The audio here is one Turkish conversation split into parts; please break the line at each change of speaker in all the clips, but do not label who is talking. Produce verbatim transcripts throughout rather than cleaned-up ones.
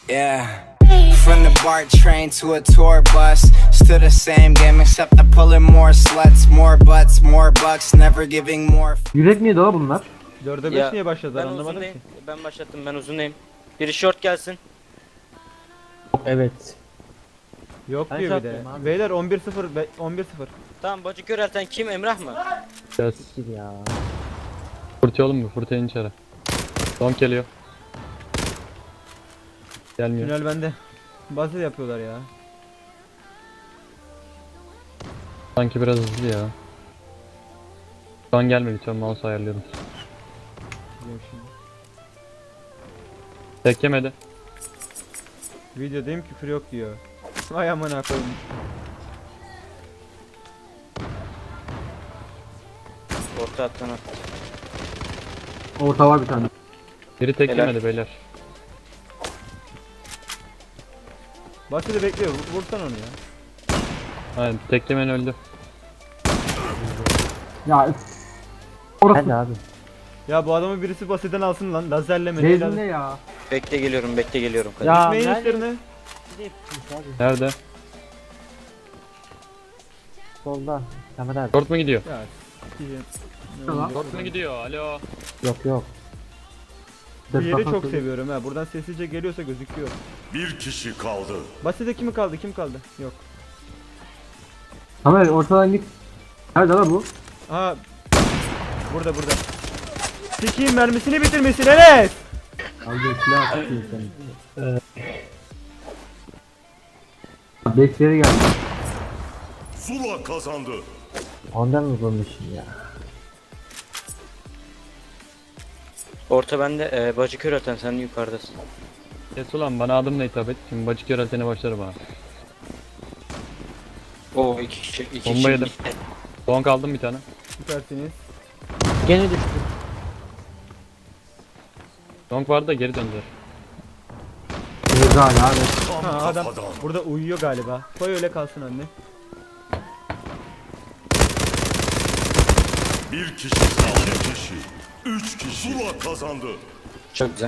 Yeah. From the BART train to a tour bus, still the same game except I'm pulling more sluts, more butts, more bucks, never giving more.
Yürek miydi o bunlar?
dörde beş
Ya,
niye başladılar
Ben
anlamadım
uzundayım.
ki.
Ben başlattım, ben uzundayım. Biri short gelsin.
Evet.
Yok
Ben
diyor bir de.
sattım abi.
Beyler on bir sıfır be- on bir sıfır.
Tamam, bacı körelten kim? Emrah mı?
Gel.
Gir ya.
Fırtı oğlum mu? Fırtayın içeri. Donk geliyor. Gelmiyor.
Tünel bende. Basit yapıyorlar ya.
Sanki biraz hızlı ya. Şu an gelme lütfen, mouse ayarlıyorum.
Biliyorum şimdi.
Tek yemedi.
Videodayım, küfür yok diyor. Vay amına koyayım.
Orta attın at.
Orta var bir tane.
Biri tek
Helal.
yemedi beyler.
Basit'i bekliyor. vur- Vursan onu ya.
Aynen, tek yemen öldü.
Ya üf. Orası. Hadi abi.
Ya bu adamı birisi basitten alsın lan. Lazerle mi?
Rezil
neyle-
ne ya?
Bekle geliyorum, bekle geliyorum. Kadir.
Ya
Düşmeyin
nerede?
üstlerine.
Nerede?
Solda. Kamera abi.
Short mu gidiyor?
Ya. s**eyim.
Tamam.
Short mu gidiyor? Alo.
Yok yok.
Bu yeri çok seviyorum ha. Buradan sessizce geliyorsa gözüküyor.
Bir kişi kaldı.
Basit'e kimi kaldı? Kim kaldı? Yok.
Kamera ortadan git. Nerede lan bu?
Aha. Burada burada. Sikiyim, mermisini bitirmesin Enes.
Abi silah atıyor seni. Bekleri geldi.
Zula kazandı.
Ondan mı bulmuşsun ya?
Orta bende, e, bacı körelten sen yukarıdasın.
Kes ulan, bana adımla hitap et. Şimdi bacık yöneltene başlarım ha.
Oo, iki kişi, iki
Bomba
kişi.
yedim. Donk aldım bir tane.
Süpersiniz.
Gene düştü.
Donk vardı da geri döndüler.
Güzel abi.
Tam
Ha, adam
kafadan.
burada uyuyor galiba. Koy öyle kalsın anne.
Bir kişi kaldı. İki kişi. Üç kişi. Zula kazandı.
Çok güzel.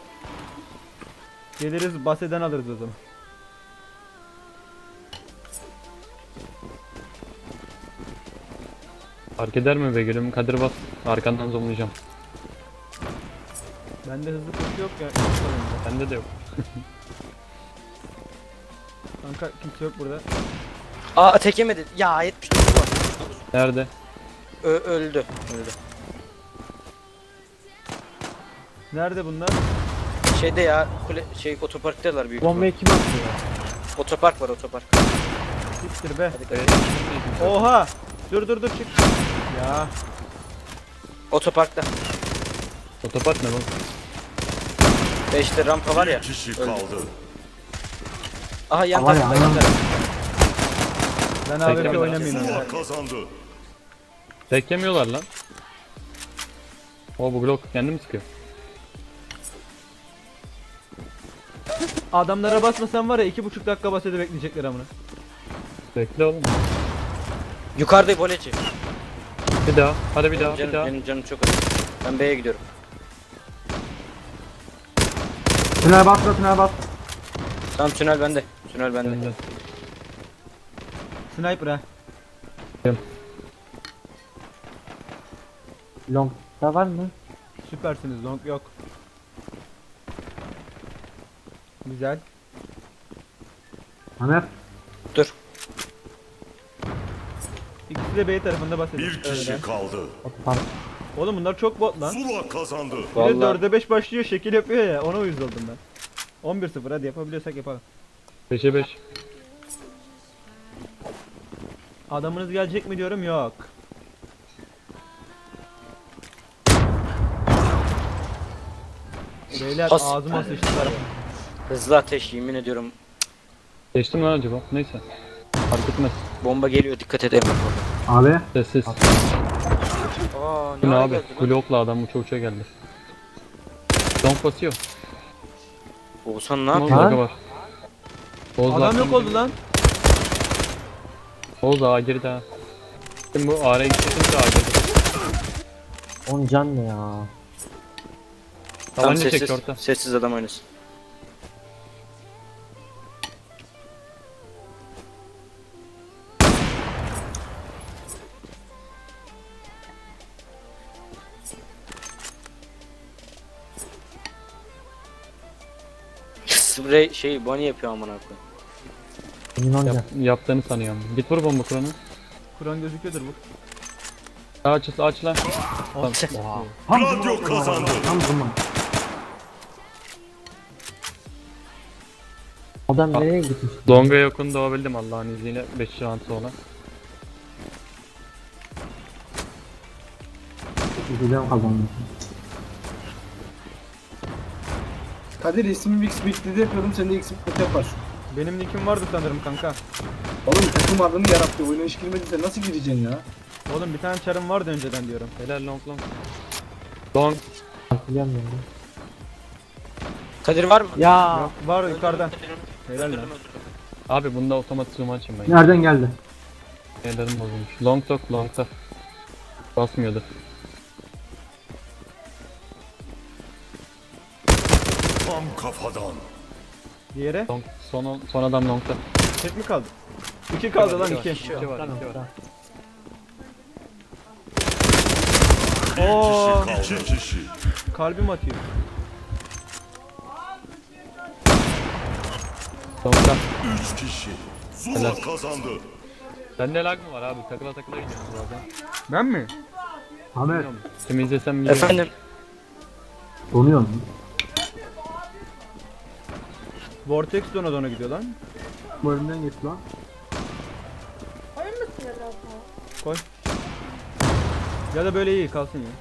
Geliriz baseden alırız o zaman.
Fark eder mi be gülüm? Kadir bas. Arkandan zonlayacağım.
Bende hızlı koşu yok ya.
Bende de yok.
Kanka kimse yok burada.
Aa, tek yemedi. Ya, yetmiş dokuz var.
Nerede?
Ö öldü. Öldü.
Nerede bunlar?
Şeyde ya, kule, şey otoparktalar büyük ihtimal.
Bombayı kim attı ya?
Otopark var, otopark.
Siktir be.
Evet.
Oha! Dur dur dur çık. Ya
Otoparkta.
Otopark ne bu?
Ve işte rampa var ya.
Bir kişi
öldü.
kaldı.
Aha, yan
Var ya,
tarafta, yan
aynen.
tarafta.
ben A W P
Bekle,
oynamayayım
Zula
ya.
kazandı.
Tek yemiyorlar lan. O bu Glock kendi mi sıkıyor?
Adamlara basmasam var ya iki buçuk dakika basede bekleyecekler amına.
Bekle oğlum.
Yukarıda boleci.
Bir daha. Hadi bir daha.
Benim
Bir
canım,
daha.
benim canım çok acı. Ben B'ye gidiyorum.
Tünel bas da tünel bas.
Tamam, tünel bende. Tünel bende.
Benden.
Sniper ha.
Long da var mı?
Süpersiniz, long yok. Güzel.
Haner.
Dur.
İkisi de B tarafında basede.
Bir kişi kaldı.
Otopark.
Oğlum bunlar çok bot lan.
Zula kazandı.
Bir de
Vallahi.
dörde beş başlıyor şekil yapıyor ya, ona uyuz oldum ben. on bir sıfır hadi yapabiliyorsak yapalım.
beşe beş.
Adamınız gelecek mi diyorum, yok. Beyler
Has-
ağzıma sıçtılar.
Hızlı ateş, yemin ediyorum.
Geçtim lan acaba? Neyse. Fark etmez.
Bomba geliyor, dikkat et Emrah.
Abi.
Sessiz.
Aa,
Bu
ne
ne
ara
abi?
geldi lan?
Glock'la adam uça uça geldi. Donk basıyor.
Oğuzhan ne
Ama
yapıyor?
bug'ı var. Oğuz
Adam yok oldu lan.
Oğuz ağa girdi ha. Şimdi bu A'ya gitsin de ağa girdi.
On can ne ya?
Tamam,
Tabanca çek
sessiz,
orta.
sessiz adam oynasın. Sprey şey bunny yapıyor amına koyayım.
Emin ol
Yap,
ya.
yaptığını sanıyorum. Git vur bomba kuranı.
Kur'an gözüküyordur bu.
Aç aç lan. Tamam.
Gladio kazandı.
Tam zaman. Adam nereye gitmiş?
Longa yakın doğabildim Allah'ın izniyle beş round sonra.
Güzel kazandı.
Kadir ismimi X bekledi yapıyordum, sen de X bekledi yaparsın.
Benim nickim vardı sanırım kanka.
Oğlum takım adını yarattı, oyuna hiç girmediyse nasıl gireceksin ya?
Oğlum bir tane çarım vardı önceden diyorum.
Helal long long. Long.
Hatırlıyorum ben de.
Kadir var mı?
Ya.
Yok, var yukarıdan. Helal lan.
Abi bunda otomatik zoom açayım ben.
Nereden geldi?
Ellerim bozulmuş. Long talk long talk. Basmıyordu.
Tam kafadan.
Diğeri.
Long, son, son adam long talk.
Tek mi kaldı? İki kaldı lan iki.
İki var, iki var.
Oo,
İki kişi.
kalbim atıyor.
Long talk.
Üç kişi. Zula kazandı.
Sende lag mı var abi? Takıla takıla gidiyorsun zaten.
Ben mi?
Ahmet.
Kimi izlesem biliyorum.
Efendim.
Donuyor mu?
Vortex dona dona gidiyor lan.
Bu önünden geç lan.
Koy. Ya da böyle iyi kalsın ya.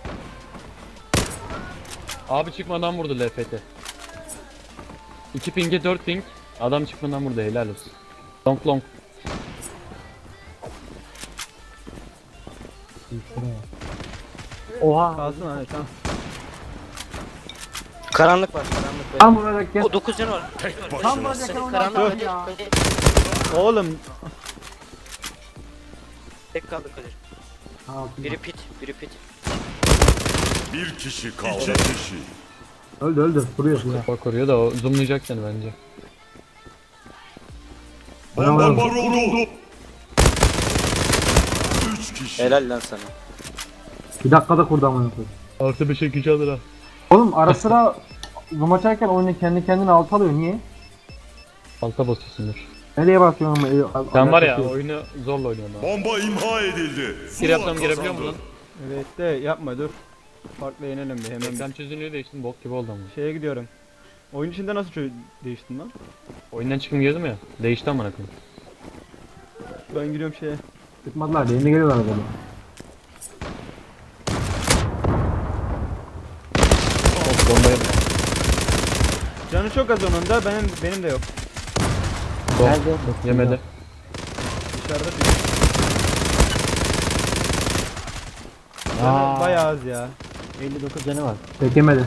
Abi çıkmadan vurdu L F T. iki ping'e dört ping. Adam çıkmadan vurdu helal olsun. Long long.
Oha.
Kalsın hani tamam.
Karanlık var karanlık var.
Tam vurarak gel.
O dokuz canı var.
Tek
Tam
başına.
vuracak onu
Karanlık
atar
Kadir.
ya.
Kadir.
Oğlum
Tek kaldı Kadir.
Altında.
Biri pit, biri pit.
Bir kişi kaldı. İki kişi.
Öldü öldü. Vuruyor vuruyor.
Bak koruyor da o zoomlayacak seni bence.
Bomba vuruldu. Üç kişi.
Helal lan sana.
Bir dakikada kurdu amına koyayım.
Artı beş iki alır ha.
Oğlum ara sıra zoom açarken oyunu kendi kendine alt alıyor. Niye?
Alta basıyorsundur.
Nereye basıyorsun? Ee, al-
Sen var ya
alakası yok.
oyunu zorla oynuyorsun abi.
Bomba imha edildi.
Bir
Zula
yapsam girebiliyor mu lan?
kazandı.
evet de yapma dur. Farklı yenelim bir hemen.
Ekran çözünürlüğü değiştim bok gibi oldu ama.
Şeye gidiyorum. Oyun içinde nasıl çö- değiştin lan?
Oyundan çıkım girdim ya. Değişti amına koyayım.
Ben gidiyorum şeye.
Çıkmadılar. Benim de geliyorlar böyle.
Of bombayı.
Canı çok az onun da benim benim de yok.
Bom.
Nerede?
Yemedi.
Dışarıda değil. Canı
Aa.
bayağı az ya.
elli dokuz canı var. Çekemedi.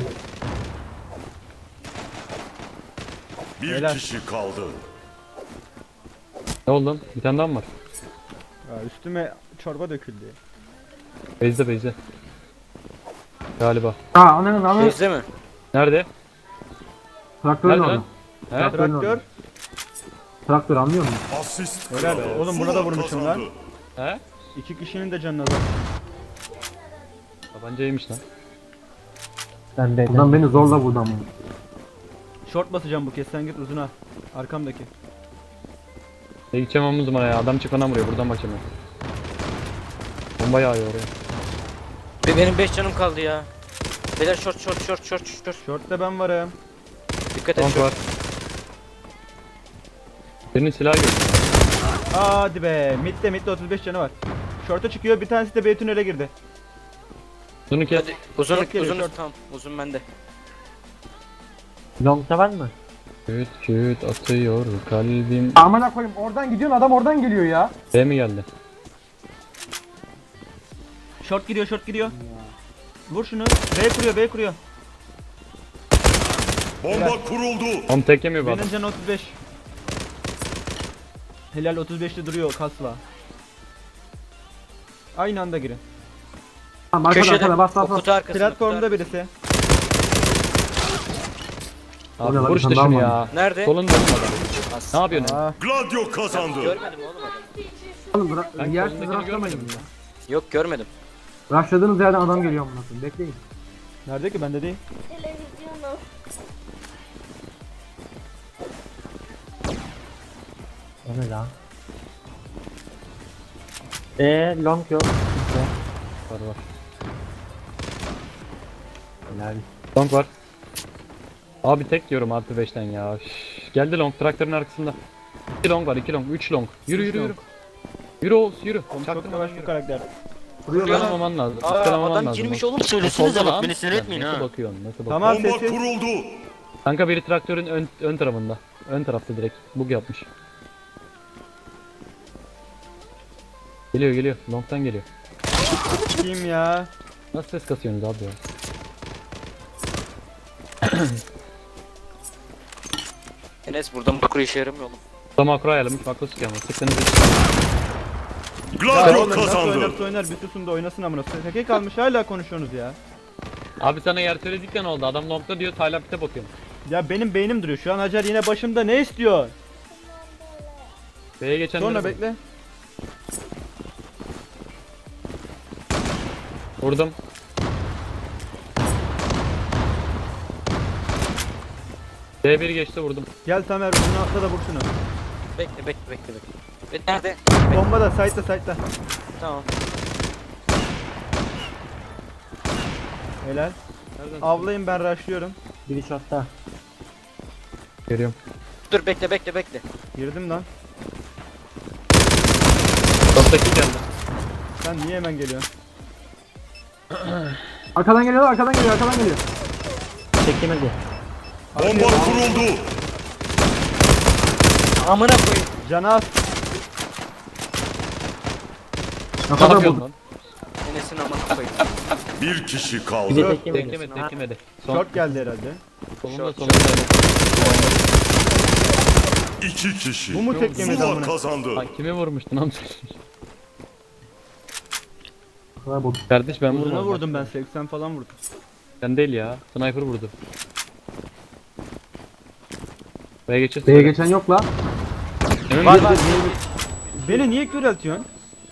Bir
Helal.
kişi kaldı.
Ne oldu lan? Bir tane daha mı var?
Ya üstüme çorba döküldü.
Beyze beyze. Galiba.
Aa ananın ananın.
Bezde mi?
Nerede?
Traktörün
Nerede
orada.
lan? He?
Traktörün
Traktör.
orada. Traktör anlıyor musun?
Asist
Helal
kralı.
be. Oğlum buna da
Zula
vurmuşum
kazandı.
lan.
He?
İki kişinin de canına bak.
Tabancaymış lan.
Ben de. Buradan beni zorla vurdu ama.
Short basacağım bu kez sen git uzuna. Arkamdaki.
Ne gideceğim omuz numara ya. Adam çıkmadan vuruyor. Buradan bakacağım ben. Bomba yağıyor oraya.
Be- Benim beş canım kaldı ya. Beyler short short short short short.
Short'ta ben varım.
Dikkat et
Long
short.
var. Birinin silahı gördüm.
Hadi be. Mid'de mid'de otuz beş canı var. Short'a çıkıyor bir tanesi de B tünele girdi.
Bunu kes.
Hadi uzun
Short geliyor,
uzun
short.
tamam uzun bende.
Long'da var mı?
Küt küt atıyor kalbim.
Amına koyayım oradan gidiyorsun adam oradan geliyor ya.
B mi geldi?
Short giriyor short giriyor. Vur şunu. B kuruyor B kuruyor.
Bomba kuruldu.
Tam tek yemiyor bu adam.
Benim canı otuz beş. Helal otuz beşte duruyor kasla. Aynı anda girin.
Tamam arkada
Köşede
arkada bas
o
bas bas.
kutu arkasında. kutu
Platformda
arkasında.
birisi.
Abi
O ne lan,
vur işte
bir tane
şunu
daha
ya.
Nerede?
Solunda oğlum adam.
As-
Ne yapıyorsun?
Aa,
Gladio kazandı.
Görmedim oğlum adamı.
Oğlum bırak.
Ben
Yersiz
solundakini
rastlamayın
görmedim
ya.
Yok görmedim.
Rushladığınız yerden adam geliyor amına koyayım. Bekleyin.
nerede ki bende değil.
Televizyonu.
O ne lan? Eee long yok. Kimse.
Var var.
Helal.
Long var. Abi tek diyorum artı beşten ya. Üf, geldi long traktörün arkasında. iki long var, iki long, üç long. Yürü yürü yürü. Yürü Oğuz yürü.
Oğlum çok
Çaktırma
yavaş
lan,
bu
yürü.
karakter.
Iskalamaman lazım.
Aa,
ıskalamaman
adam
lazım.
girmiş oğlum,
Oldu
söylesenize bak,
lan.
beni sinir
Ya,
etmeyin
nasıl
ha.
bakıyorsun? Nasıl bakıyorsun?
Tamam
Bomba
sessiz.
kuruldu.
Kanka biri traktörün ön, ön tarafında. Ön tarafta direkt. Bug yapmış. Geliyor geliyor. Long'tan geliyor.
Kim ya?
Nasıl ses kasıyorsunuz abi ya?
Enes buradan makro işe yaramıyor oğlum.
Burada makro ayarlamış. Makro sıkıyor ama. Sıktığınız için.
Ya
Gladio
oğlum nasıl
kazandı.
oynarsa oynar bir susun da oynasın amına. Tek kalmış hala konuşuyorsunuz ya.
Abi sana yer söyledik de ne oldu? Adam long'da diyor. Taylan pite bakıyorum.
Ya benim beynim duruyor. Şu an Hacer yine başımda, ne istiyor?
B'ye geçen
Sonra bekle.
Vurdum. B bir geçti vurdum.
Gel Tamer bunu atla da vur şunu.
Bekle bekle bekle bekle. Ve nerede?
Bomba da site'da site'da.
Tamam.
Helal.
Nereden?
Avlayın, ben rushlıyorum.
Biri shot'ta.
Görüyorum.
Dur bekle bekle bekle.
Girdim lan.
Toptaki geldi.
Sen niye hemen geliyorsun?
Arkadan geliyor, arkadan geliyor, arkadan geliyor. Çekemedi.
Bomba kuruldu.
Amına koyayım.
Canaz.
Ne
Ne
kadar
yapıyorsun
bulduk.
lan?
Enes'in amına koyayım.
Bir kişi
Bir de
kaldı.
teklemedi.
Teklemedi teklemedi. Son.
Short geldi herhalde.
Solunda
Short,
solunda.
İki kişi.
Bu mu tek yemedi
Zula
amına?
kazandı.
Lan kimi vurmuştun amca?
Ne kadar bulduk.
Kardeş ben
Uzuna
vurmadım.
vurdum ben, seksen falan vurdum.
Sen değil ya. Sniper vurdu. B'ye geçeceğiz.
B'ye geçen yok la.
Emin
Var
misin?
var. Beni niye köreltiyorsun?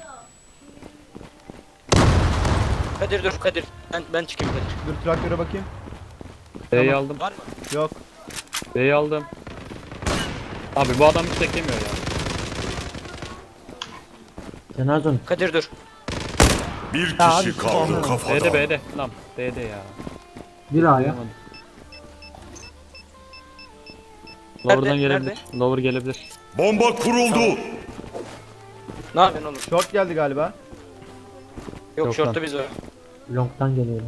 Kadir dur Kadir. Ben ben çıkayım Kadir.
Dur traktöre bakayım.
B'yi aldım.
Var mı?
Yok.
B'yi aldım. Abi bu adam hiç teklemiyor ya.
Cenazon.
Kadir dur.
Bir
Ya abi,
kişi kaldı
B'de
kafadan.
B'de. Lan B'de ya.
Bir A'ya.
Duyamadım. Lower'dan
Nerede?
gelebilir. Lower gelebilir.
Bomba kuruldu.
Ne yapıyorsun oğlum?
Short geldi galiba.
Yok,
Yok
şortta
lan.
biz var.
Long'tan geliyor.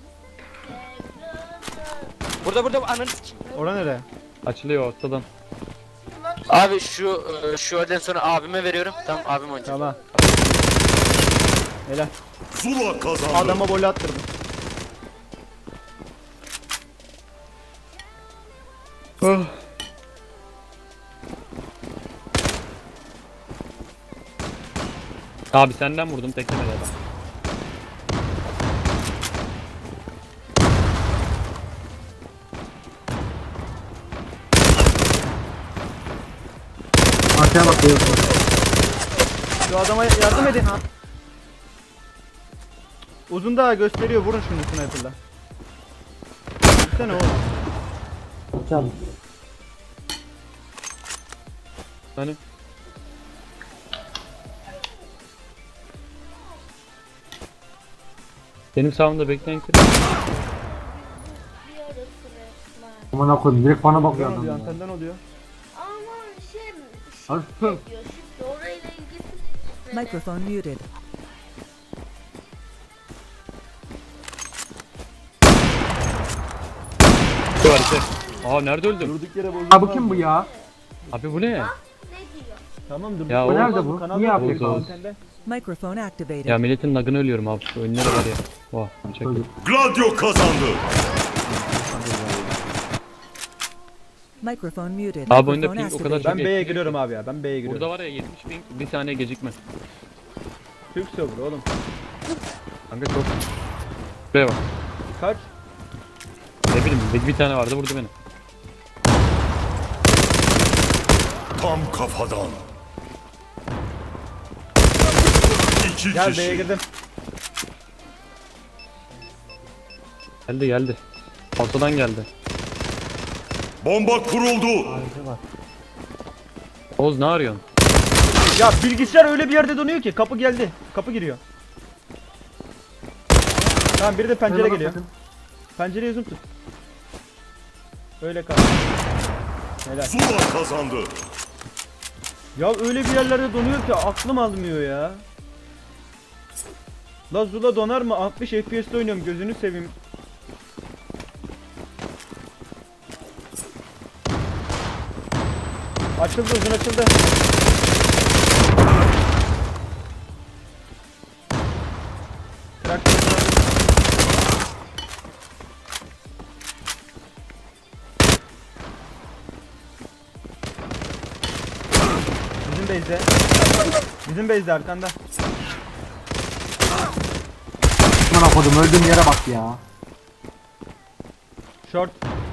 Burada burada ananı sikeyim.
Ora nere?
Açılıyor ortadan.
Abi şu e, şu öğleden sonra abime veriyorum. Tamam abim oynayacak.
Tamam. Helal.
Zula kazandı.
Adama gol attırdım.
Abi senden vurdum teklemedi adam.
Arkaya bak diyor.
Şu adama yardım edin. Uzun daha gösteriyor, vurun şunu sniper'la. Gitsene oğlum.
Çal.
Hani? Benim sağımda bekleyen kim?
Aman koyayım, direkt bana
Buradan
bakıyor
oluyor,
adam. ya.
antenden oluyor.
Ama şey,
Abi
şey
sus.
diyor, şifre orayla ilgisi.
Microphone muted.
Şu var işte. Aa nerede öldüm?
Durduk yere bozuldu.
Ha bu kim bu ya?
Abi bu ne?
Ne diyor?
Tamam dur.
Ya
Bu
o-
nerede
bu?
Kanal
Niye
yok,
yapıyor?
Oğuz antende.
Microphone activated.
Ya milletin lagını ölüyorum abi. Şu önlere var ya. Vah. Çek.
Gladio kazandı.
Microphone muted.
Abi oyunda
Microphone
ping o kadar
activated.
Ben B'ye giriyorum abi ya. Ben B'ye giriyorum.
Burada var ya yetmiş ping bir saniye gecikme.
Türk server oğlum.
Kanka çok. Buraya bak.
Kaç?
Ne bileyim bir, bir tane vardı vurdu beni.
Tam kafadan. İki
Gel B'ye
kişi.
girdim.
Geldi geldi. Ortadan geldi.
Bomba kuruldu.
Arka bak.
Oğuz ne arıyorsun?
Ya bilgisayar öyle bir yerde donuyor ki kapı geldi. Kapı giriyor. Tamam biri de pencere
Şuna bak
geliyor.
sakın.
Pencereye zoom tut. Öyle kal. Helal.
Zula kazandı.
Ya öyle bir yerlerde donuyor ki aklım almıyor ya. La Zula donar mı? altmış F P S'te oynuyorum gözünü seveyim. Açıldı uzun açıldı. Traktör. Bizim base'de. Bizim base'de arkanda.
Aman akodum öldüğüm yere bak ya.
Short.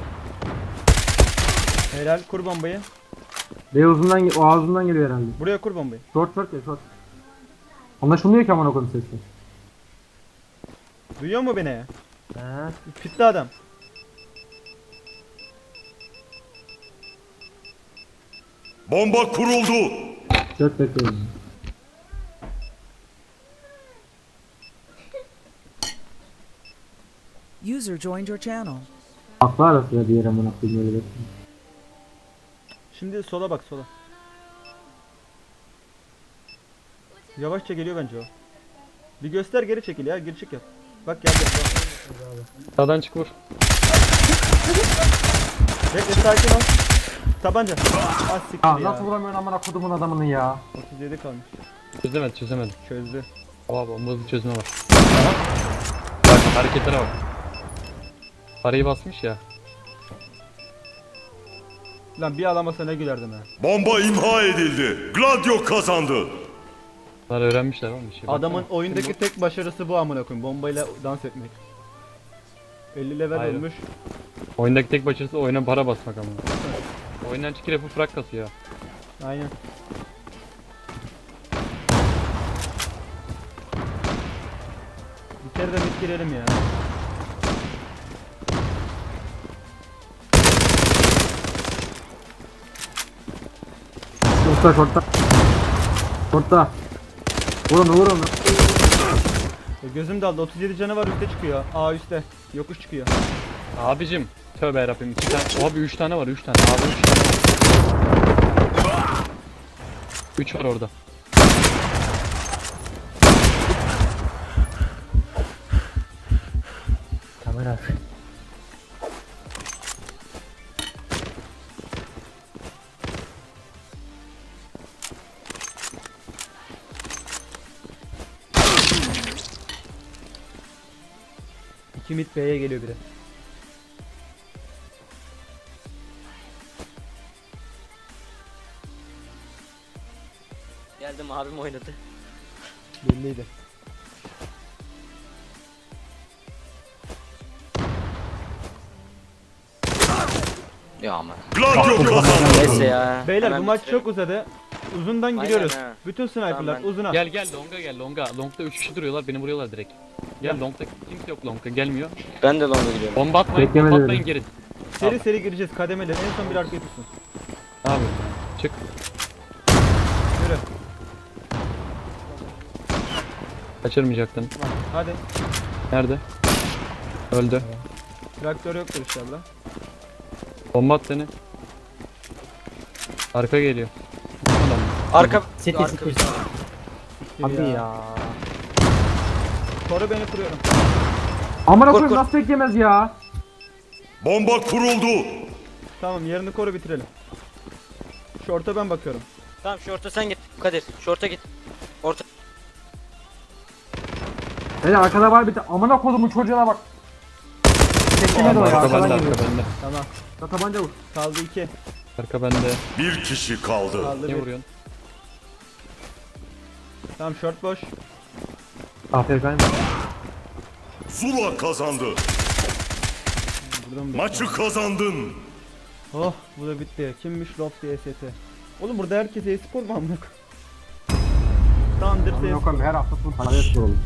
Helal kur bombayı.
Bey uzundan ge- o ağzından geliyor herhalde.
Buraya kur bombayı.
Short short ya short. Anlaşılmıyor ki aman akodum sesi.
Duyuyor mu beni?
He.
Pitli adam.
Bomba kuruldu.
Short bekliyorum.
User joined your channel.
Aklı arasında diğer aman akodum öyle bekliyorum.
Şimdi sola bak sola. Yavaşça geliyor bence o. Bir göster geri çekil ya geri çık yap. Bak geldi.
Sağdan çık vur.
Bekle sakin ol. Tabanca. Az siktir
Ya
ya.
nasıl vuramıyorsun aman akodumun adamını ya.
otuz yedi kalmış.
Çözemedi çözemedi.
Çözdü.
Oha bomba bir çözme var. Aha. Bak hareketlere bak. Parayı basmış ya.
Lan bir alamasa ne gülerdim ha.
Bomba imha edildi. Gladio kazandı.
Bunlar öğrenmişler oğlum bir şey.
Adamın
Baksana.
oyundaki tek başarısı bu amına koyayım. Bombayla dans etmek. elli level
Hayır.
olmuş.
Oyundaki tek başarısı oyuna para basmak ama. Oyundan çıkıp yapıp frak kasıyor.
Aynen. Bir kere de mid girelim ya.
Short'ta short'ta. Short'ta. Vurun vurun.
E, gözüm daldı. otuz yedi canı var üstte çıkıyor. A üstte. Yokuş çıkıyor.
Abicim tövbe yarabbim iki tane. Abi üç tane var üç tane. Abi üç tane var. üç var orada.
Kamera.
İki mid B'ye geliyor biri.
Geldim abim oynadı.
Belliydi.
Ya ama.
Gladio kazandı.
Neyse ya.
Beyler
hemen
bu maç
bitirelim.
çok uzadı. Uzundan
Aynen
giriyoruz.
ha.
Bütün sniperlar
Tamam ben-
uzuna.
Gel gel longa gel longa. Longda üç kişi duruyorlar beni vuruyorlar direkt. Gel longda kimse yok longa gelmiyor.
Ben de longa gidiyorum.
Bomba atmayın
Bekleme
bomba
dedim.
atmayın geri.
Seri seri gireceğiz kademeli. En son bir arkaya tutsun.
Abi çık.
Yürü.
Kaçırmayacaktın.
Hadi.
Nerede? Öldü.
Traktör yoktur inşallah.
Bomba at seni. Arka geliyor. Adam.
Arka.
Seti,
arka
seti.
bir-
Hadi ya.
Koru beni kuruyorum.
Aman
Kork,
akodum
kork.
nasıl bekleyemez ya.
Bomba kuruldu.
Tamam yerini koru bitirelim. Short'a ben bakıyorum.
Tamam şorta sen git Kadir. Şorta git. Orta.
Hele arkada var bir de aman akodumun çocuğuna bak. Beklemedi o ya.
Arka bende
Arkadan
arka
geliyor.
bende.
Tamam.
Ya tabanca vur.
Kaldı iki.
Arka bende.
Bir kişi kaldı.
Kaldı
Ne
bir.
vuruyorsun?
Tamam short boş.
Aferin.
Zula kazandı.
Buradan bir-
Maçı kazandın.
Oh bu da bitti. Kimmiş Loft diye S T. Oğlum burada herkes e-spor mu amına koyayım? Tamamdır
Aman
e-spor.
akodum her hafta full para spor olur.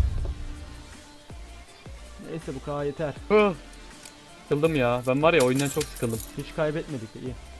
Neyse bu kadar yeter.
Hı. Sıkıldım ya. Ben var ya oyundan çok sıkıldım.
Hiç kaybetmedik iyi.